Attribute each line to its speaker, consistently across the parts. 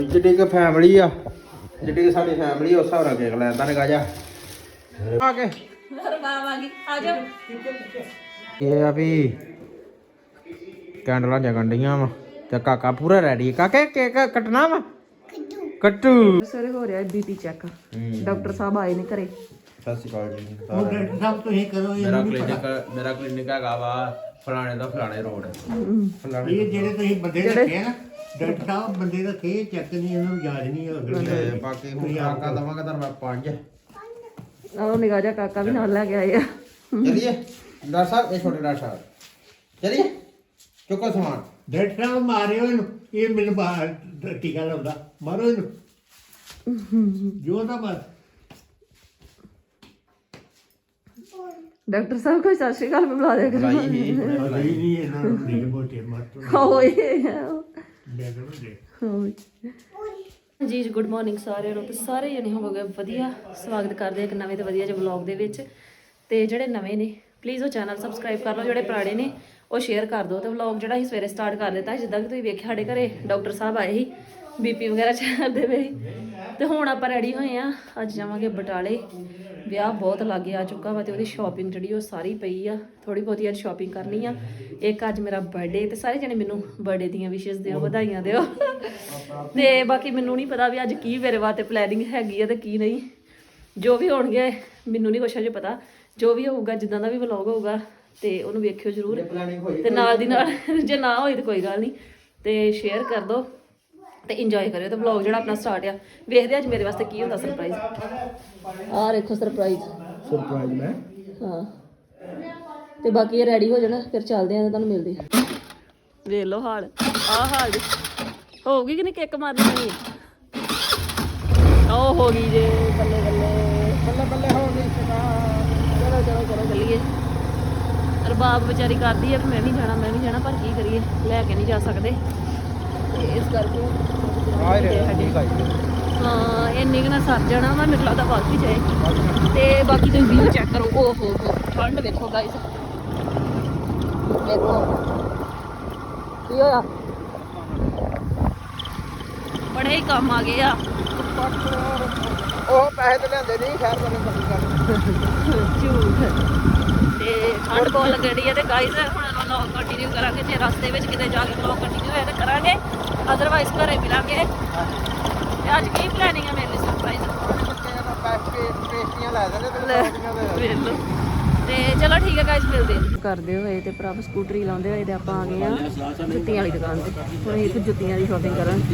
Speaker 1: ਜਿੱਡੀ ਕਿ ਫੈਮਿਲੀ ਆ, ਜਿੱਡੀ ਕਿ ਸਾਡੀ ਫੈਮਿਲੀ ਉਸ ਹਿਸਾਬ ਨਾਲ ਕੇਕ ਲੈਂਦਾ ਨੇ ਗਾਜਾ ਆ ਕੇ
Speaker 2: ਰਬਾਵਾਂਗੀ ਆ ਜਾ।
Speaker 1: ਇਹ ਆ ਵੀ ਕੈਂਡਲਾਂ ਜਗਣ ਡੀਆਂ ਵਾ ਤੇ ਕਾਕਾ ਪੂਰਾ ਰੈਡੀ। ਕਾਕੇ ਕੇਕ ਕੱਟਣਾ ਵਾ? ਕੱਟੂ।
Speaker 2: ਸਵੇਰੇ ਹੋ ਰਿਹਾ ਬੀਪੀ ਚੈੱਕ। ਡਾਕਟਰ ਸਾਹਿਬ ਆਏ ਨੇ ਘਰੇ।
Speaker 1: ਸਤਿ ਸ਼੍ਰੀ ਅਕਾਲ ਜੀ।
Speaker 3: ਸਭ ਤੁਸੀਂ ਕਰੋ
Speaker 1: ਮੇਰਾ ਕਲੀਨਿਕ ਹੈਗਾ ਵਾ ਫਲਾਣੇ ਦਾ ਫਲਾਣੇ ਰੋਡ।
Speaker 3: ਇਹ ਜਿਹੜੇ ਤੁਸੀਂ ਬੰਦੇ ਰੱਖੇ ਆ ਨਾ ਡਾਕਟਰ ਸਾਹਿਬ ਬੰਦੇ ਰੱਖੇ ਚੈੱਕ ਨਹੀਂ ਇਹਨਾਂ ਨੂੰ ਯਾਦ ਨਹੀਂ
Speaker 1: ਤੇ ਬਾਕੀ ਹੁਣ ਕਾਕਾ ਦਵਾਂਗਾ ਤਾਂ ਮੈਂ 5।
Speaker 2: ਉਹ ਨਿਗਾਹ ਜਾ ਕਾਕਾ ਵੀ ਨਾਲ ਲੈ ਕੇ ਆਏ ਆ।
Speaker 1: ਚਲਿਏ ਡਾਕਟਰ ਸਾਹਿਬ, ਇਹ ਛੋਟੇ ਡਾਕਟਰ ਸਾਹਿਬ ਚਲਿਏ ਚੁੱਕੋ ਸਮਾਨ।
Speaker 3: ਡਾਕਟਰ ਸਾਹਿਬ ਮਾਰਿਓ ਇਹਨੂੰ, ਇਹ ਮੈਨੂੰ ਬਾਹਰ ਟੀਕਾ ਲਾਉਂਦਾ, ਮਾਰੋ ਇਹਨੂੰ ਜੋ ਨਾ ਬਸ।
Speaker 2: ਡਾਕਟਰ ਸਾਹਿਬ ਕੋਈ ਸਤਿ ਸ਼੍ਰੀ ਅਕਾਲ ਬੁਲਾ ਦਿਆ ਕਰੋ।
Speaker 3: ਨਹੀਂ ਇਹਨਾਂ ਨੂੰ ਨਹੀਂ ਮੋਟੇ ਮਾਰ
Speaker 2: ਓਏ
Speaker 3: ਦੇ ਦੋ ਦੇ।
Speaker 2: ਜੀ ਗੁੱਡ ਮਾਰਨਿੰਗ ਸਾਰਿਆਂ ਨੂੰ। ਤੇ ਸਾਰੇ ਜਣੇ ਹੋਵੋਗੇ ਵਧੀਆ। ਸਵਾਗਤ ਕਰਦੇ ਇੱਕ ਨਵੇਂ ਤੇ ਵਧੀਆ ਜਿਹੇ ਵਲੌਗ ਦੇ ਵਿੱਚ। ਤੇ ਜਿਹੜੇ ਨਵੇਂ ਨੇ ਪਲੀਜ਼ ਉਹ ਚੈਨਲ ਸਬਸਕ੍ਰਾਈਬ ਕਰ ਲਓ, ਜਿਹੜੇ ਪੁਰਾਣੇ ਨੇ ਉਹ ਸ਼ੇਅਰ ਕਰ ਦਿਓ। ਤੇ ਵਲੌਗ ਜਿਹੜਾ ਅਸੀਂ ਸਵੇਰੇ ਸਟਾਰਟ ਕਰ ਦਿੱਤਾ, ਜਿੱਦਾਂ ਕਿ ਤੁਸੀਂ ਵੇਖਿਆ ਸਾਡੇ ਘਰੇ ਡਾਕਟਰ ਸਾਹਿਬ ਆਏ ਸੀ, ਬੀਪੀ ਵਗੈਰਾ ਚੈੱਕ ਕਰਦੇ ਪਏ। ਤੇ ਹੁਣ ਆਪਾਂ ਰੈਡੀ ਹੋਏ ਆ, ਅੱਜ ਜਾਵਾਂਗੇ ਬਟਾਲੇ। ਵਿਆਹ ਬਹੁਤ ਲਾਗੇ ਆ ਚੁੱਕਾ ਵਾ ਤੇ ਉਹਦੀ ਸ਼ਾਪਿੰਗ ਜਿਹੜੀ ਉਹ ਸਾਰੀ ਪਈ ਆ। ਥੋੜੀ ਬਹੁਤੀ ਅੱਜ ਸ਼ਾਪਿੰਗ ਕਰਨੀ ਆ। ਇੱਕ ਅੱਜ ਮੇਰਾ ਬਰਥਡੇ ਤੇ ਸਾਰੇ ਜਣੇ ਮੈਨੂੰ ਬਰਥਡੇ ਦੀਆਂ ਵਿਸ਼ੇਸ ਦਿਓ, ਵਧਾਈਆਂ ਦਿਓ। ਤੇ ਬਾਕੀ ਮੈਨੂੰ ਨਹੀਂ ਪਤਾ ਵੀ ਅੱਜ ਕੀ ਮੇਰੇ ਵਾਸਤੇ ਪਲੈਨਿੰਗ ਹੈਗੀ ਆ ਤੇ ਕੀ ਨਹੀਂ। ਜੋ ਵੀ ਹੋਣਗੇ ਮੈਨੂੰ ਨਹੀਂ ਕੁਛ ਅਜੇ ਪਤਾ। ਜੋ ਵੀ ਹੋਊਗਾ, ਜਿੱਦਾਂ ਦਾ ਵੀ ਵਲੌਗ ਹੋਊਗਾ ਤੇ ਉਹਨੂੰ ਵੇਖਿਓ ਜ਼ਰੂਰ। ਤੇ ਨਾਲ ਦੀ ਨਾਲ ਜੇ ਨਾ ਹੋਈ ਤਾਂ ਕੋਈ ਗੱਲ ਨਹੀਂ, ਤੇ ਸ਼ੇਅਰ ਕਰ ਦਿਓ ਤੇ ਇੰਜੋਏ ਕਰਿਓ। ਤੇ ਵਲੌਗ ਜਿਹੜਾ ਆਪਣਾ ਸਟਾਰਟ ਆ, ਵੇਖਦੇ ਅੱਜ ਮੇਰੇ ਵਾਸਤੇ ਕੀ ਹੁੰਦਾ ਸਰਪ੍ਰਾਈਜ਼। ਆਹ ਦੇਖੋ ਸਰਪ੍ਰਾਈਜ਼
Speaker 1: ਮੈਂ
Speaker 2: ਹਾਂ। ਤੇ ਬਾਕੀ ਇਹ ਰੈਡੀ ਹੋ ਜਾਣਾ, ਫਿਰ ਚੱਲਦੇ ਆਂ ਤੇ ਤੁਹਾਨੂੰ ਮਿਲਦੇ ਆ। ਵੇਖ ਲਓ ਹਾਲ, ਆਹ ਹਾਲ ਹੋਊਗੀ ਕਿ ਨਹੀਂ ਕੇਕ ਮਾਰਨੀ? ਉਹ ਹੋ ਗਈ ਜੇ। ਬੱਲੇ ਬੱਲੇ
Speaker 1: ਬੱਲੇ ਬੱਲੇ ਹੋ ਗਈ।
Speaker 2: ਚਲੋ ਚਲੋ ਚਲੋ ਚੱਲੀਏ। ਰਬਾਬ ਵਿਚਾਰੀ ਕਰਦੀ ਹੈ ਵੀ ਮੈਂ ਵੀ ਜਾਣਾ ਪਰ ਕੀ ਕਰੀਏ, ਲੈ ਕੇ ਨਹੀਂ ਜਾ ਸਕਦੇ ਤੇ ਇਸ ਕਰਕੇ ਹਾਂ ਇੰਨੀ ਕੁ ਨਾਲ ਸਰ ਜਾਣਾ ਵਾ। ਮੈਨੂੰ ਲੱਗਦਾ ਵੱਧ ਵੀ ਜਾਏ। ਤੇ ਬਾਕੀ ਤੁਸੀਂ ਵੀਊ ਚੈੱਕ ਕਰੋ। ਓ ਹੋ ਠੰਡ ਵੇਖੋ ਗਾਇਸ, ਵੇਖੋ ਕੀ ਹੋਇਆ। ਬੜੇ ਹੀ ਕੰਮ ਆ ਗਏ ਆ।
Speaker 1: ਉਹ ਪੈਸੇ ਤੇ ਲੈਂਦੇ ਨਹੀਂ ਖੈਰ
Speaker 2: ਝੂਠ। ਤੇ ਠੰਡ ਬਹੁਤ ਲੱਗਣੀ ਹੈ ਤੇ ਗਾਇਸ ਹੁਣ ਵਲੌਗ ਕੰਟੀਨਿਊ ਕਰਾਂਗੇ। ਜੇ ਰਸਤੇ ਵਿੱਚ ਕਿਤੇ ਜਾ ਕੇ ਵਲੌਗ ਕੰਟੀਨਿਊ ਹੋਇਆ ਤਾਂ ਕਰਾਂਗੇ, ਅਦਰਵਾਈਜ਼ ਘਰੇ ਮਿਲਾਂਗੇ। ਤੇ ਅੱਜ ਕੀ ਪਲੈਨਿੰਗ ਹੈ ਮੇਰੇ ਲਈ ਸਰਪ੍ਰਾਈਜ਼?
Speaker 1: ਪੇਸਟੀਆਂ ਲੈ ਦਿੰਦੇ
Speaker 2: ਤੇ ਚਲੋ ਠੀਕ ਹੈ ਗਾਇਸ, ਮਿਲਦੇ ਕਰਦੇ ਹੋਏ ਤੇ ਪ੍ਰਭ ਸਕੂਟਰੀ ਲਾਉਂਦੇ ਹੋਏ ਤੇ ਆਪਾਂ ਆ ਗਏ ਆ ਜੁੱਤੀਆਂ ਵਾਲੀ ਦੁਕਾਨ ਤੇ। ਹੁਣ ਇੱਥੇ ਜੁੱਤੀਆਂ ਦੀ ਸ਼ਾਪਿੰਗ ਕਰਾਂਗੇ।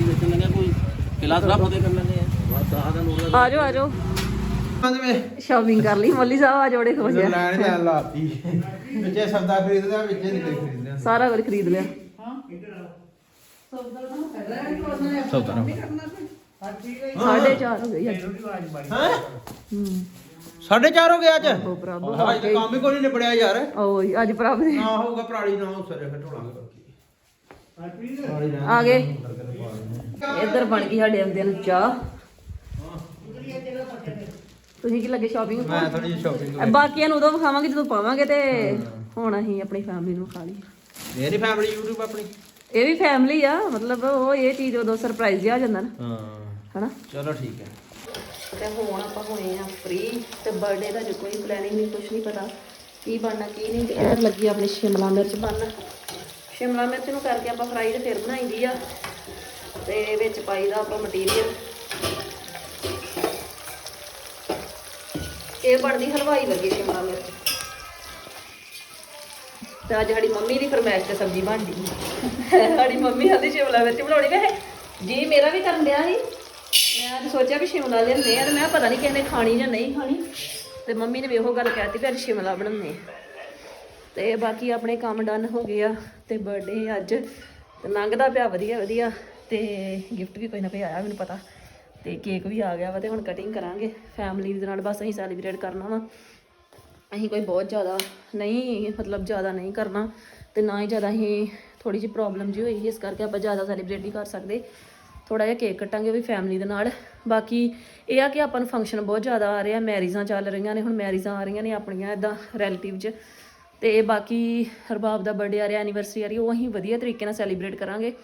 Speaker 2: ਆ ਜਾਓ ਆ ਜਾਓ, ਸ਼ਾਪਿੰਗ ਕਰ ਲਈ। ਮੋਲੀ ਸਾਹਿਬ ਆ ਜੋੜੇ ਖੁਸ਼ ਆ।
Speaker 1: ਲੈਣ ਲਾਤੀ ਵਿੱਚੇ ਸੌਦਾ ਖਰੀਦਦਾ, ਵਿੱਚੇ ਨਹੀਂ ਖਰੀਦਦਾ।
Speaker 2: ਸਾਰਾ ਕੁਝ ਖਰੀਦ ਲਿਆ।
Speaker 1: ਸੌਦਾ ਨਾ
Speaker 2: 4:30 ਹੋ ਗਈ ਅੱਜ।
Speaker 1: ਹਾਂ 4:30 ਹੋ ਗਿਆ ਅੱਜ।
Speaker 2: ਉਹ ਪ੍ਰਭ
Speaker 1: ਅੱਜ ਤਾਂ ਕੰਮ ਹੀ ਕੋਈ ਨਹੀਂ ਨਿਬੜਿਆ ਯਾਰ।
Speaker 2: ਓਏ ਅੱਜ ਪ੍ਰਭ ਦੇ
Speaker 1: ਨਾ ਹੋਊਗਾ ਪਰਾਲੀ ਨਾ ਹੋ ਸਰੇ ਫਿਰ ਢੋਲਾਂਗੇ।
Speaker 2: ਆ ਗਏ। ਇੱਧਰ ਬਣ ਗਈ ਸਾਡੇ ਆਉਂਦਿਆਂ ਨੂੰ ਚਾਹ। ਤੁਸੀਂ ਕੀ ਲੱਗੇ ਸ਼ਾਪਿੰਗ?
Speaker 1: ਮੈਂ ਥੋੜੀ ਜਿਹੀ ਸ਼ਾਪਿੰਗ
Speaker 2: ਬਾਕੀਆਂ ਨੂੰ ਉਦੋਂ ਵਿਖਾਵਾਂਗੇ ਜਦੋਂ ਪਾਵਾਂਗੇ। ਤੇ ਹੁਣ ਅਸੀਂ ਆਪਣੀ ਫੈਮਿਲੀ ਨੂੰ ਖਾ ਲਈ।
Speaker 1: ਮੇਰੀ ਫੈਮਿਲੀ YouTube ਆਪਣੀ,
Speaker 2: ਇਹ ਵੀ ਫੈਮਿਲੀ ਆ, ਮਤਲਬ ਉਹ ਇਹ ਚੀਜ਼ ਉਦੋਂ ਸਰਪ੍ਰਾਈਜ਼ ਜਿਹਾ ਆ ਜਾਂਦਾ ਨਾ,
Speaker 1: ਹਾਂ
Speaker 2: ਹਨਾ।
Speaker 1: ਚਲੋ ਠੀਕ ਹੈ।
Speaker 2: ਤੇ ਹੁਣ ਆਪਾਂ ਹੋਏ ਆ ਫ੍ਰੀ। ਤੇ ਬਰਥਡੇ ਦਾ ਜੋ ਕੋਈ ਪਲੈਨਿੰਗ ਨਹੀਂ, ਕੁਛ ਨਹੀਂ ਪਤਾ ਕੀ ਬਣਨਾ ਕੀ ਨਹੀਂ। ਤੇ ਇੱਧਰ ਲੱਗੀ ਆਪਣੀ ਸ਼ਿਮਲਾ ਮਿਰਚ ਬਣਨ। ਸ਼ਿਮਲਾ ਮਿਰਚ ਨੂੰ ਕਰਕੇ ਆਪਾਂ ਫਰਾਈ ਤੇ ਫਿਰ ਬਣਾਈਦੀ ਆ। ਤੇ ਵਿੱਚ ਪਾਈਦਾ ਆਪਾਂ ਮਟੀਰੀਅਲ। ਇਹ ਬਣਦੀ ਹਲਵਾਈ ਵਰਗੀ ਸ਼ਿਮਲਾ ਮਿਰਚ। ਤੇ ਅੱਜ ਸਾਡੀ ਮੰਮੀ ਦੀ ਫਰਮਾਇਸ਼ ਤੇ ਸਬਜ਼ੀ ਬਣਦੀ। ਸਾਡੀ ਮੰਮੀ ਕਹਿੰਦੀ ਸ਼ਿਮਲਾ ਮਿਰਚ ਬਣਾਉਣੀ। ਵੈਸੇ ਜੀ ਮੇਰਾ ਵੀ ਕਰਨ ਡਿਆ ਸੀ। ਮੈਂ ਅੱਜ ਸੋਚਿਆ ਵੀ ਸ਼ਿਮਲਾ ਲਿਆਉਂਦੇ ਆ ਤੇ ਮੈਂ ਪਤਾ ਨਹੀਂ ਕਿਸੇ ਨੇ ਖਾਣੀ ਜਾਂ ਨਹੀਂ ਖਾਣੀ। ਤੇ ਮੰਮੀ ਨੇ ਵੀ ਉਹੋ ਗੱਲ ਕਹਿਤੀ ਵੀ ਅੱਜ ਸ਼ਿਮਲਾ ਬਣਾਉਂਦੇ ਆ। ਤੇ ਬਾਕੀ ਆਪਣੇ ਕੰਮ ਡਨ ਹੋ ਗਏ ਆ। ਤੇ ਬਰਥਡੇ ਅੱਜ ਤੇ ਲੰਘਦਾ ਪਿਆ ਵਧੀਆ ਵਧੀਆ। ਤੇ ਗਿਫਟ ਵੀ ਕੋਈ ਨਾ ਕੋਈ ਆਇਆ ਮੈਨੂੰ ਪਤਾ। ਤੇ ਕੇਕ ਵੀ ਆ ਗਿਆ ਵਾ। ਤੇ ਹੁਣ ਕਟਿੰਗ ਕਰਾਂਗੇ ਫੈਮਿਲੀ ਦੇ ਨਾਲ। ਬਸ ਅਸੀਂ ਸੈਲੀਬ੍ਰੇਟ ਕਰਨਾ ਵਾ। ਅਸੀਂ ਕੋਈ ਬਹੁਤ ਜ਼ਿਆਦਾ ਨਹੀਂ, ਮਤਲਬ ਜ਼ਿਆਦਾ ਨਹੀਂ ਕਰਨਾ ਤੇ ਨਾ ਹੀ ਜ਼ਿਆਦਾ ਅਸੀਂ ਥੋੜੀ ਜਿਹੀ ਪ੍ਰੋਬਲਮ ਜਿਹੀ ਹੋਈ, ਇਸ ਕਰਕੇ ਆਪਾਂ ਜ਼ਿਆਦਾ ਸੈਲੀਬ੍ਰੇਟ ਨਹੀਂ ਕਰ ਸਕਦੇ। ਥੋੜਾ ਜਿਹਾ ਕੇਕ ਕੱਟਾਂਗੇ ਉਹ ਵੀ ਫੈਮਿਲੀ ਦੇ ਨਾਲ। ਬਾਕੀ ਇਹ ਆ ਕਿ ਆਪਾਂ ਨੂੰ ਫੰਕਸ਼ਨ ਬਹੁਤ ਜ਼ਿਆਦਾ ਆ ਰਿਹਾ। ਮੈਰਿਜ਼ਾਂ ਚੱਲ ਰਹੀਆਂ ਨੇ, ਹੁਣ ਮੈਰਿਜ਼ਾਂ ਆ ਰਹੀਆਂ ਨੇ ਆਪਣੀਆਂ ਇੱਦਾਂ ਰਿਲੇਟਿਵ 'ਚ। ਤੇ ਬਾਕੀ ਹਰਬਾਬ ਦਾ ਬਰਥਡੇ ਆ ਰਿਹਾ, ਐਨੀਵਰਸਰੀ ਆ ਰਹੀ, ਉਹ ਅਸੀਂ ਵਧੀਆ ਤਰੀਕੇ ਨਾਲ ਸੈਲੀਬ੍ਰੇਟ ਕਰਾਂਗੇ।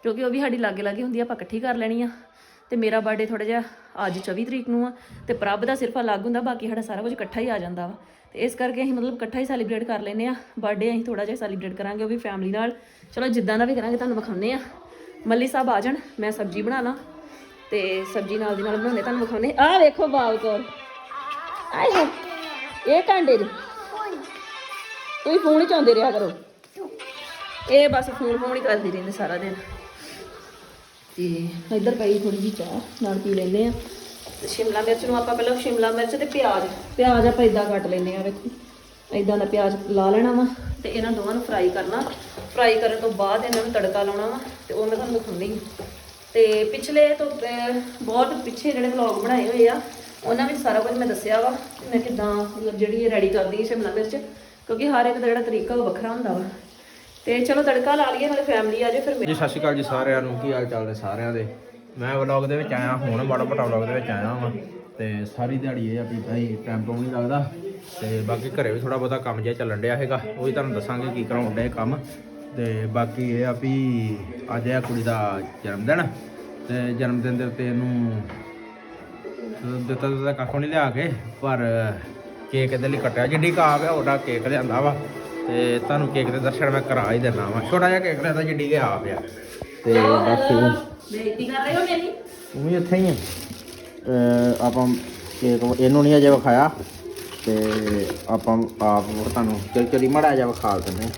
Speaker 2: ਕਿਉਂਕਿ ਉਹ ਵੀ ਸਾਡੀ ਲਾਗੇ ਲਾਗੇ ਹੁੰਦੀ ਆ, ਆਪਾਂ ਇਕੱਠੀ ਕਰ ਲੈਣੀ ਆ। ਤੇ ਮੇਰਾ ਬਰਥਡੇ ਥੋੜਾ ਜਿਹਾ ਅੱਜ 24 ਤਰੀਕ ਨੂੰ ਆ, ਤੇ ਪ੍ਰਭ ਦਾ ਸਿਰਫ ਅਲੱਗ ਹੁੰਦਾ, ਬਾਕੀ ਸਾਡਾ ਸਾਰਾ ਕੁਝ ਇਕੱਠਾ ਹੀ ਆ ਜਾਂਦਾ ਵਾ। ਤੇ ਇਸ ਕਰਕੇ ਅਸੀਂ ਮਤਲਬ ਇਕੱਠਾ ਹੀ ਸੈਲੀਬ੍ਰੇਟ ਕਰ ਲੈਂਦੇ ਆ। ਬਰਥਡੇ ਅਸੀਂ ਥੋੜਾ ਜਿਹਾ ਸੈਲੀਬ੍ਰੇਟ ਕਰਾਂਗੇ, ਉਹ ਵੀ ਫੈਮਿਲੀ ਨਾਲ। ਚਲੋ ਜਿੱਦਾਂ ਦਾ ਵੀ ਕਰਾਂਗੇ ਤੁਹਾਨੂੰ ਵਿਖਾਉਂਦੇ ਆ। ਮੱਲੀ ਸਾਹਿਬ ਆ ਜਾਣ, ਮੈਂ ਸਬਜ਼ੀ ਬਣਾ ਲਾਂ, ਤੇ ਸਬਜ਼ੀ ਨਾਲ ਦੀ ਨਾਲ ਬਣਾਉਂਦੇ ਤੁਹਾਨੂੰ ਵਿਖਾਉਂਦੇ। ਆਹ ਵੇਖੋ ਬਾਲ ਕੋਲ ਆਏ ਇਹ ਟਾਂਡੇ ਤੁਸੀਂ ਫੋਨ ਹੀ ਚਾਹੁੰਦੇ ਰਿਹਾ ਕਰੋ, ਇਹ ਬਸ ਫੋਨ ਹੀ ਕਰਦੀ ਰਹਿੰਦੇ ਸਾਰਾ ਦਿਨ। ਤੇ ਇੱਧਰ ਪਈ ਥੋੜੀ ਜਿਹੀ ਚਾਹ ਨਾਲ ਪੀ ਲੈਂਦੇ ਆ। ਤੇ ਸ਼ਿਮਲਾ ਮਿਰਚ ਨੂੰ ਆਪਾਂ ਪਹਿਲਾਂ ਸ਼ਿਮਲਾ ਮਿਰਚ ਤੇ ਪਿਆਜ਼ ਆਪਾਂ ਇਦਾਂ ਕੱਟ ਲੈਂਦੇ ਆ। ਵੇਖੋ ਇਦਾਂ ਦਾ ਪਿਆਜ਼ ਲਾ ਲੈਣਾ ਵਾ, ਤੇ ਇਹਨਾਂ ਦੋਵਾਂ ਨੂੰ ਫਰਾਈ ਕਰਨਾ। ਫਰਾਈ ਕਰਨ ਤੋਂ ਬਾਅਦ ਇਹਨਾਂ ਨੂੰ ਤੜਕਾ ਲਾਉਣਾ ਵਾ, ਤੇ ਉਹ ਮੈਂ ਤੁਹਾਨੂੰ ਦਿਖਾਉਂਦੀ ਹਾਂ। ਤੇ ਪਿਛਲੇ ਤੋਂ ਬਹੁਤ ਪਿੱਛੇ ਜਿਹੜੇ ਵਲੌਗ ਬਣਾਏ ਹੋਏ ਆ, ਉਹਨਾਂ ਵਿੱਚ ਸਾਰਾ ਕੁਝ ਮੈਂ ਦੱਸਿਆ ਵਾ ਕਿ ਮੈਂ ਕਿੱਦਾਂ ਮਤਲਬ ਜਿਹੜੀ ਰੈਡੀ ਕਰਦੀ ਹਾਂ ਸ਼ਿਮਲਾ ਮਿਰਚ, ਕਿਉਂਕਿ ਹਰ ਇੱਕ ਦਾ ਜਿਹੜਾ ਤਰੀਕਾ ਉਹ ਵੱਖਰਾ ਹੁੰਦਾ ਵਾ। ਤੇ ਚਲੋ ਤੜਕਾ ਲਾ ਲਈਏ, ਨਾਲੇ ਫੈਮਿਲੀ ਆ ਜਾਏ ਫਿਰ।
Speaker 1: ਜੀ ਸਤਿ ਸ਼੍ਰੀ ਅਕਾਲ ਜੀ ਸਾਰਿਆਂ ਨੂੰ, ਕੀ ਹਾਲ ਚਾਲ ਨੇ ਸਾਰਿਆਂ ਦੇ। ਮੈਂ ਵਲੌਗ ਦੇ ਵਿੱਚ ਆਇਆ ਹੁਣ, ਬੜਾ ਵੱਡਾ ਵਲੌਗ ਦੇ ਵਿੱਚ ਆਇਆ ਵਾਂ। ਤੇ ਸਾਰੀ ਦਿਹਾੜੀ ਇਹ ਆ ਵੀ ਭਾਈ ਟਾਈਮ ਤੋਂ ਨਹੀਂ ਲੱਗਦਾ, ਤੇ ਬਾਕੀ ਘਰੇ ਵੀ ਥੋੜਾ ਬਹੁਤਾ ਕੰਮ ਜਿਹਾ ਚੱਲਣ ਡਿਆ ਹੈਗਾ, ਉਹ ਵੀ ਤੁਹਾਨੂੰ ਦੱਸਾਂਗੇ ਕੀ ਕਰਾਉਣ ਡਿਆ ਕੰਮ। ਤੇ ਬਾਕੀ ਇਹ ਆ ਵੀ ਅੱਜ ਇਹ ਕੁੜੀ ਦਾ ਜਨਮ ਦਿਨ, ਤੇ ਜਨਮ ਦਿਨ ਦੇ ਉੱਤੇ ਇਹਨੂੰ ਦਿੱਤਾ ਕੱਖੋਂ ਨਹੀਂ ਲਿਆ ਕੇ, ਪਰ ਕੇਕ ਇਹਦੇ ਲਈ ਕੱਟਿਆ। ਜਿੱਡੀ ਕਾਬ ਹੈ ਉਹਦਾ ਕੇਕ ਲਿਆਂਦਾ ਵਾ, ਤੇ ਤੁਹਾਨੂੰ ਕੇਕ ਦੇ ਦਰਸ਼ਨ ਮੈਂ ਕਰਾ ਹੀ ਦੇਣਾ ਵਾ। ਛੋਟਾ ਜਿਹਾ ਕੇਕ ਲਿਆਂਦਾ ਜਿੱਡੀ ਕੇ ਆ ਪਿਆ। ਤੇ ਬਾਕੀ
Speaker 2: ਬੇਇੱਜ਼ਤੀ ਕਰ ਰਹੇ ਹੋ ਮੇਰੀ।
Speaker 1: ਤੂੰ ਵੀ ਇੱਥੇ ਹੀ ਆ। ਆਪਾਂ ਕੇਕ ਇਹਨੂੰ ਨਹੀਂ ਅਜੇ ਵਿਖਾਇਆ, ਤੇ ਆਪਾਂ ਆਪ ਤੁਹਾਨੂੰ ਚਲੀ ਮਾੜਾ ਜਿਹਾ ਵਿਖਾ ਦਿੰਦੇ।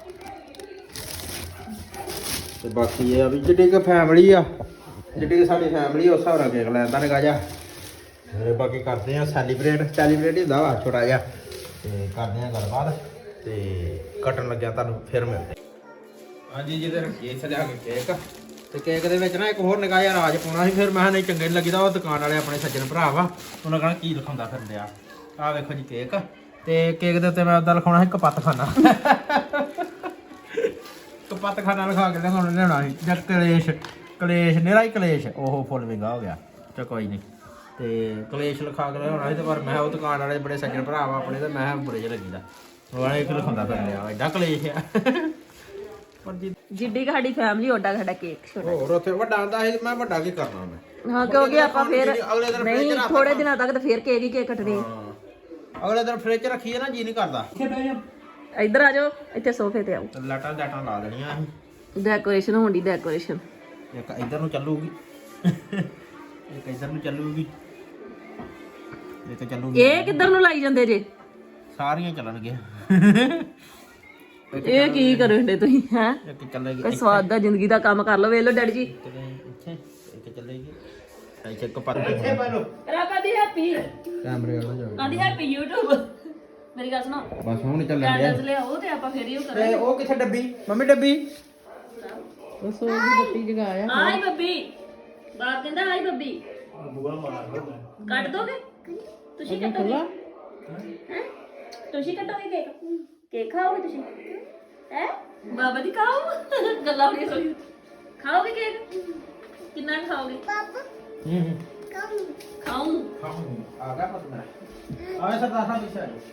Speaker 1: ਤੇ ਬਾਕੀ ਇਹ ਆ ਵੀ ਜਿੱਡੀ ਕਿ ਫੈਮਿਲੀ ਆ, ਜਿੱਡੀ ਕਿ ਸਾਡੀ ਫੈਮਿਲੀ ਉਸ ਹਿਸਾਬ ਨਾਲ ਕੇਕ ਲੈਂਦਾ ਨਿਕਾ ਜਾ। ਤੇ ਬਾਕੀ ਕਰਦੇ ਆ ਸੈਲੀਬ੍ਰੇਟ ਹੁੰਦਾ ਵਾ ਛੋਟਾ ਜਿਹਾ, ਤੇ ਕਰਦੇ ਆ ਗੱਲਬਾਤ, ਤੇ ਕੱਟਣ ਲੱਗਿਆ ਤੁਹਾਨੂੰ ਫਿਰ ਮਿਲਦੇ। ਹਾਂਜੀ ਜਿਹਦੇ ਰੱਖੀਏ ਸਜਾ ਕੇ ਕੇਕ, ਤੇ ਕੇਕ ਦੇ ਵਿੱਚ ਨਾ ਇੱਕ ਹੋਰ ਨਿਕਾ ਜਿਹਾ ਰਾਜ ਪਾਉਣਾ ਸੀ। ਫਿਰ ਮੈਂ ਨਹੀਂ ਚੰਗੇ ਨਹੀਂ ਲੱਗਦਾ, ਉਹ ਦੁਕਾਨ ਵਾਲੇ ਆਪਣੇ ਸੱਜਣ ਭਰਾ ਵਾ, ਉਹਨਾਂ ਕਹਿਣਾ ਕੀ ਲਿਖਾਉਂਦਾ ਫਿਰ ਲਿਆ। ਆਹ ਵੇਖੋ ਜੀ ਕੇਕ, ਤੇ ਕੇਕ ਦੇ ਉੱਤੇ ਮੈਂ ਉਹਦਾ ਲਿਖਾਉਣਾ ਸੀ ਕਪੱਤਖਾਨਾ। ਕਪੱਤਖਾਨਾ ਲਿਖਾ ਕੇ ਲਿਆਉਣਾ ਸੀ, ਜਾਂ ਕਲੇਸ਼ ਨਿਹਰਾ ਹੀ ਕਲੇਸ਼, ਉਹ ਫੁੱਲ ਵਿੰਗਾ ਹੋ ਗਿਆ। ਚਲ ਕੋਈ ਨਹੀਂ, ਤੇ ਕਲੇਸ਼ ਲਿਖਾ ਕੇ ਲਿਆਉਣਾ ਸੀ। ਤੇ ਪਰ ਮੈਂ ਉਹ ਦੁਕਾਨ ਵਾਲੇ ਬੜੇ ਸੱਜਣ ਭਰਾ ਵਾ ਆਪਣੇ, ਤੇ ਮੈਂ ਬੁਰੇ ਜਿਹੇ ਲੱਗੀਦਾ ਉਹ ਇੱਕ ਲਿਖਾਉਂਦਾ ਫਿਰ ਲਿਆ, ਐਡਾ ਕਲੇਸ਼ ਆ। ਪਰ
Speaker 2: ਜਿੱਡੀ ਸਾਡੀ ਫੈਮਿਲੀ ਓਡਾ ਸਾਡਾ ਕੇਕ ਛੋਟਾ।
Speaker 1: ਹੋਰ ਉੱਥੇ ਵੱਡਾ ਆਂਦਾ ਸੀ, ਮੈਂ ਵੱਡਾ ਕੀ ਕਰਨਾ ਮੈਂ।
Speaker 2: ਹਾਂ ਕਿਉਂਕਿ ਆਪਾਂ ਫਿਰ
Speaker 1: ਅਗਲੇ ਦਿਨ
Speaker 2: ਨਹੀਂ ਥੋੜੇ ਦਿਨਾਂ ਤੱਕ ਤਾਂ ਫਿਰ ਕੇਕ ਹੀ ਕੇਕ ਕੱਟਣੇ।
Speaker 1: ਅਗਲੇ ਦਿਨ ਫ੍ਰਿਜ ਰੱਖੀਏ ਨਾ, ਜੀ ਨਹੀਂ ਕਰਦਾ।
Speaker 2: ਇੱਧਰ ਆ ਜਾਓ, ਇੱਥੇ ਸੋਫੇ ਤੇ ਆਓ।
Speaker 1: ਲਾਟਾਂ ਲਾ ਦੇਣੀਆਂ ਅਸੀਂ।
Speaker 2: ਡੈਕੋਰੇਸ਼ਨ ਹੋਣੀ, ਡੈਕੋਰੇਸ਼ਨ
Speaker 1: ਇੱਕ ਇੱਧਰ ਨੂੰ ਚੱਲੂਗੀ, ਇੱਕ ਇੱਧਰ ਨੂੰ ਚੱਲੂਗੀ, ਇੱਕ ਚੱਲੂਗੀ।
Speaker 2: ਇਹ ਕਿੱਧਰ ਨੂੰ ਲਾਈ ਜਾਂਦੇ ਜੇ?
Speaker 1: ਸਾਰੀਆਂ ਚੱਲਣਗੀਆਂ।
Speaker 2: ਇਹ ਕੀ ਕਰਦੇ ਤੁਸੀਂ ਹੈ?
Speaker 1: ਇੱਕ ਚੱਲੇਗੀ,
Speaker 2: ਕੋਈ ਸਵਾਦ ਦਾ ਜ਼ਿੰਦਗੀ ਦਾ ਕੰਮ ਕਰ ਲਓ। ਵੇਖ ਲਓ ਡੈਡੀ ਜੀ,
Speaker 1: ਇੱਥੇ ਇੱਕ ਚੱਲੇਗੀ, ਇੱਥੇ ਇੱਕ ਪਰ ਇੱਥੇ ਪਾ ਲਓ।
Speaker 2: ਰਾਕਾ ਦੀ ਹੈਪੀ
Speaker 1: ਕੈਮਰੇ ਵਾਲਾ ਜਾਓ।
Speaker 2: ਆਂਦੀ ਹੈਪੀ YouTube। ਮੇਰੀ ਗੱਲ ਸੁਣੋ,
Speaker 1: ਬਸ ਹੁਣ ਚੱਲਣ ਡਿਆ।
Speaker 2: ਕੈਂਡਲਸ ਲਿਆਓ ਤੇ ਆਪਾਂ ਫੇਰ ਹੀ ਉਹ
Speaker 1: ਤੇ
Speaker 2: ਕਰਾਂਗੇ।
Speaker 1: ਉਹ ਕਿੱਥੇ ਡੱਬੀ? ਮੰਮੀ ਡੱਬੀ
Speaker 2: ਦੱਸੋ ਜੀ, ਬੱਤੀ ਜਗਾਇਆ। ਆਈ ਬੱਬੀ, ਬਾਪ ਕਹਿੰਦਾ ਆਈ ਬੱਬੀ। ਕੱਟ ਦੋਗੇ ਤੁਸੀਂ? ਕੱਟੋਗੇ ਹੈ? ਤੁਸੀਂ ਕੱਟੋਗੇ ਕੇਕ? ਕੇਕ ਖਾਓਗੇ ਤੁਸੀਂ ਹੈ? ਬਾਬਾ ਦੀ ਖਾਓ। ਗੱਲਾਂ ਹੋਣੀਆਂ ਥੋੜੀ। ਖਾਓਗੇ ਕੇਕ? ਕਿੰਨਾ ਖਾਓਗੇ? ਖਾਉਂ
Speaker 1: ਆ ਗਿਆ ਪਤਾ ਮੇਰਾ। ਆਏ ਸਰਦਾਰ ਸਾਹਿਬ ਪਿੱਛੇ ਆ ਜਾਓ।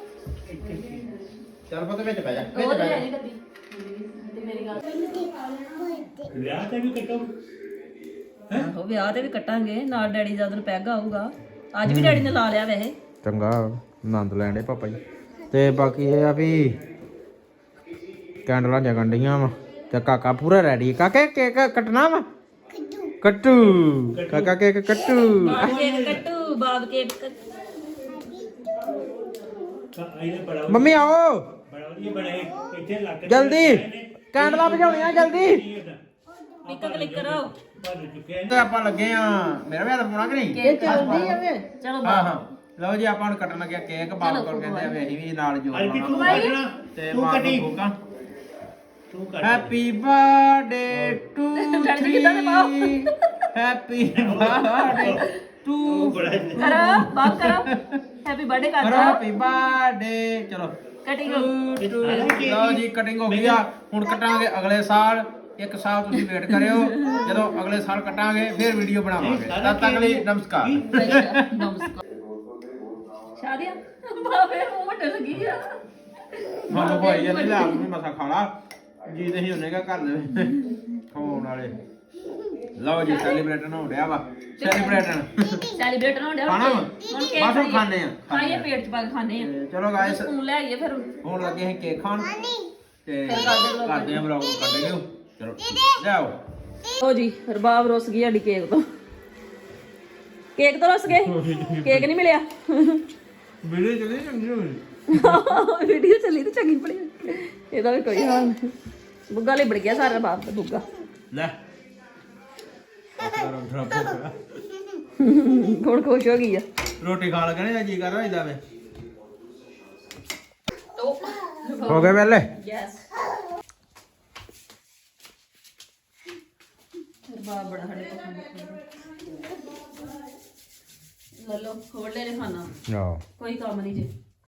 Speaker 1: ਚੱਲ ਪਤਾ ਵਿੱਚ ਬਹਿ ਜਾ, ਵਿੱਚ
Speaker 2: ਉਹ
Speaker 1: ਬਹਿ
Speaker 2: ਲੈ
Speaker 1: ਜਾ।
Speaker 2: ਜੀ ਡੱਬੀ। ਤੇ ਮੇਰੀ ਗੱਲ
Speaker 3: ਵਿਆਹ ਤੇ ਵੀ ਕੱਟੋ।
Speaker 2: ਆਹੋ ਵਿਆਹ ਤੇ ਵੀ ਕੱਟਾਂਗੇ, ਨਾਲ ਡੈਡੀ ਦਾ ਉਦੋਂ ਪੈਗ ਆਊਗਾ। ਅੱਜ ਵੀ ਡੈਡੀ ਨੇ ਲਾ ਲਿਆ ਵੈਸੇ।
Speaker 1: ਚੰਗਾ ਆਨੰਦ ਲੈਣ ਦੇ ਪਾਪਾ ਜੀ। ਤੇ ਬਾਕੀ ਇਹ ਆ ਵੀ ਕੈਂਡਲਾਂ ਜਗਣ ਡੀਆਂ ਵਾ, ਤੇ ਕਾਕਾ ਪੂਰਾ ਰੈਡੀ। ਕਾਕੇ ਕੇਕ ਕੱਟਣਾ ਵਾ? ਕੱਟੂ ਕਾਕਾ ਕੇਕ ਕੱਟੂ।
Speaker 2: ਬਾਬ ਕੇਕ ਕੱਟੂ, ਬਾਬ ਕੇਕ
Speaker 1: ਮੰਮੀ ਆਓ
Speaker 3: ਇੱਥੇ
Speaker 1: ਜਲਦੀ, ਕੈਂਡਲਾਂ ਭਜਾਉਣੀਆਂ ਜਲਦੀ।
Speaker 2: ਨਿੱਕਾ ਕਲਿੱਕ ਕਰੋ।
Speaker 1: ਤੇ ਆਪਾਂ ਲੱਗੇ ਆ, ਮੇਰਾ ਵੀ ਹੱਥ ਪਾਉਣਾ ਕਿ ਨਹੀਂ?
Speaker 2: ਕੇਕ ਚੱਲਦੀ ਆਵੇ। ਚਲੋ
Speaker 1: ਹਾਂ ਹਾਂ ਲਓ ਜੀ, ਆਪਾਂ ਹੁਣ ਕੱਟਣ ਲੱਗਿਆ ਕੇਕ। ਬਾਪ ਕੋਲ ਕਹਿੰਦੇ ਆ ਵੀ ਅਸੀਂ ਵੀ ਨਾਲ ਜੋੜ ਲਾਉਣਾ, ਤੇ ਮਾਰ ਦੋ ਫੂਕਾਂ। Happy birthday to three, happy birthday to.
Speaker 2: ਕਰੋ ਬਾਪ ਕਰੋ, ਹੈਪੀ ਬਰਥਡੇ
Speaker 1: ਕਰੋ
Speaker 2: ਕਰੋ।
Speaker 1: Happy birthday. ਚਲੋ
Speaker 2: ਕਟਿੰਗ
Speaker 1: ਲਓ ਜੀ, ਕਟਿੰਗ ਹੋ ਗਈ ਆ। ਹੁਣ ਕੱਟਾਂਗੇ ਅਗਲੇ ਸਾਲ। ਇੱਕ ਸਾਲ ਤੁਸੀਂ ਵੇਟ ਕਰਿਓ, ਜਦੋਂ ਅਗਲੇ ਸਾਲ ਕੱਟਾਂਗੇ ਫਿਰ ਵੀਡੀਓ ਬਣਾਵਾਂਗੇ। ਤਦ ਤੱਕ ਲਈ ਨਮਸਕਾਰ।
Speaker 2: ਸ਼ਾਦੀਆਂ ਬਾਬੇ ਮੂੰਹ ਵੱਡੇ ਲੱਗੀ ਆ।
Speaker 1: ਮਾਨੂੰ ਭਾਈ ਇਹਨੇ ਲਿਆ ਕੇ ਮਸਾ ਖਾਣਾ ਜੀ, ਤੇ ਹੀ ਉਹਨੇ ਕਾ ਕਰ ਦੇ ਖਾਣ ਹੋਣ ਵਾਲੇ ਲਓ ਜੀ ਸੈਲੀਬ੍ਰੇਟਨ ਹੋ ਰਿਹਾ ਵਾ ਸੈਲੀਬ੍ਰੇਟਨ
Speaker 2: ਸੈਲੀਬ੍ਰੇਟ ਹੋਣ ਡਿਆ
Speaker 1: ਖਾਣਾ ਵਾ
Speaker 2: ਹੁਣ ਕੇਕ
Speaker 1: ਬਸ ਹੁਣ ਖਾਣੇ ਆ
Speaker 2: ਖਾਈਏ ਪੇਟ ਚ ਪਾ ਕੇ ਖਾਣੇ ਆ
Speaker 1: ਤੇ ਚਲੋ ਗਾਇਸ
Speaker 2: ਸਕੂਲ ਲੈ ਆਈਏ ਫਿਰ
Speaker 1: ਹੁਣ ਲੱਗੇ ਅਸੀਂ ਕੇਕ ਖਾਣ ਤੇ
Speaker 2: ਫਿਰ ਕਰਦੇ
Speaker 1: ਕਰਦੇ ਆ ਵਲੌਗ ਕੱਢ ਚਲੋ ਲਿਆਓ
Speaker 2: ਲੋ ਜੀ ਰਬਾਬ ਰੁੱਸ ਗਈ ਸਾਡੀ ਕੇਕ ਤੋਂ ਰੁੱਸ ਗਏ ਕੇਕ ਨਹੀਂ ਮਿਲਿਆ
Speaker 1: ਵੀਡੀਓ ਚੱਲੀ ਚੰਗੀ ਹੋਈ
Speaker 2: ਵੀਡੀਓ ਚੱਲੀ ਤੇ ਚੰਗੀ ਪੜੀ ਇਹਦਾ ਵੀ ਕੋਈ ਹਾਲ ਨਹੀਂ ਬੁੱਗਾ ਲਿਬੜ ਗਿਆ ਸਾਰਾ ਬਾਪ ਦਾ ਬੁੱਗਾ
Speaker 1: ਲੈ
Speaker 2: ਹੁਣ ਖੁਸ਼ ਹੋ ਗਈ ਆ
Speaker 1: ਰੋਟੀ ਖਾਣ ਲੱਗੇ ਨੇ ਜੀ ਕਰ ਰਿਹਾ ਵੇ ਹੋ ਗਏ ਵੇਲੇ
Speaker 2: ਯੈਸ ਰਬਾਬ ਬੜਾ ਸਾਡੇ ਪਸੰਦ ਲੱਲੋ ਖੋਲ ਲੈ ਖਾਣਾ
Speaker 1: ਆਹ
Speaker 2: ਕੋਈ ਕੰਮ ਨਹੀਂ ਜੇ